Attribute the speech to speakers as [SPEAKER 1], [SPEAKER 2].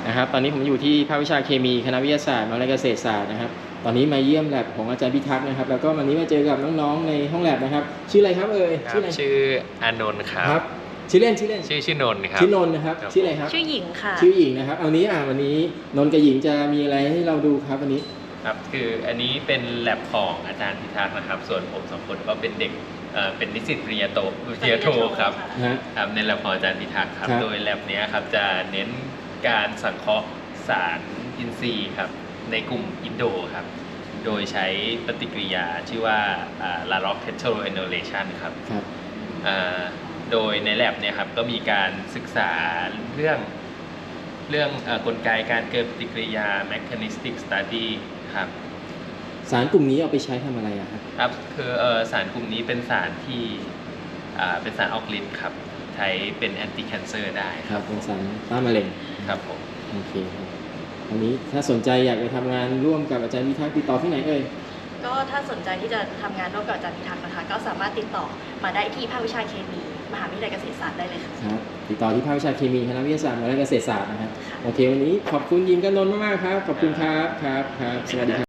[SPEAKER 1] นะครับตอนนี้ผมอยู่ที่ภาควิชาเคมีคณะวิทยาศาสตร์มหาวิทยาลัยเกษตรศาสตร์นะครับตอนนี้มาเยี่ยมแลบของอาจารย์พิทักษ์นะครับแล้วก็วันนี้มาเจอกับน้องๆในห้องแลบนะครับชื่ออะไรครับชื่ออะไร
[SPEAKER 2] ชื่ออานนท์ครับ
[SPEAKER 1] ชื่อเล่น
[SPEAKER 2] ชื่อนนท์ครับ
[SPEAKER 1] ชื่อนนท์นะครับชื่ออะไรครับ
[SPEAKER 3] ชื่อหญิงค่ะ
[SPEAKER 1] ชื่อหญิงนะครับวันนี้นนท์กับหญิงจะมีอะไรให้เราดูครับวันนี้
[SPEAKER 2] ครับคืออันนี้เป็นแลบของอาจารย์พิทักษ์นะครับส่วนผมสองคนก็เป็นเด็กเป็นนิสิตปริญญาโทครับในแลบของอาจารย์พิทักษ์ครับโดยแลบนี้ครับจะเน้นการสังเคราะห์สารอินทรีย์ครับในกลุ่มอินโดครับโดยใช้ปฏิกิริยาชื่อว่า La Rock Heteroenolation ครับโดยในแลบเนี่ยครับก็มีการศึกษาเรื่องกลไกการเกิดปฏิกิริยา mechanistic study ครับ
[SPEAKER 1] สารกลุ่มนี้เอาไปใช้ทำอะไร
[SPEAKER 2] ครับคือสารกลุ่มนี้เป็นสารที่เป็นสารออกฤทธิ์ครับใช้เป็น anti cancer ได้
[SPEAKER 1] ครับเป็นสารต้านมะเร็ง
[SPEAKER 2] ครับผม
[SPEAKER 1] โอเคครับอันนี้ถ้าสนใจอยากจะทำงานร่วมกับอาจารย์พิทักษ์ติดต่อที่ไหน
[SPEAKER 3] ก็ถ้าสนใจที่จะทำงานร่วมกับอาจารย์พิทักษ์นะคะก็สามารถติดต่อมาได้ที่ภาควิชาเคมีมหาวิทยาลัยเกษตรศาสตร์ได้เลยค่ะ
[SPEAKER 1] ครับติดต่อที่ภาควิชาเคมีคณะวิทยาศาสตร์มหาวิทยาลัยเกษตรศาสตร์นะครับโอเควันนี้ขอบคุณยิมกับนนท์มากๆครับขอบคุณครับสวัสดีครับ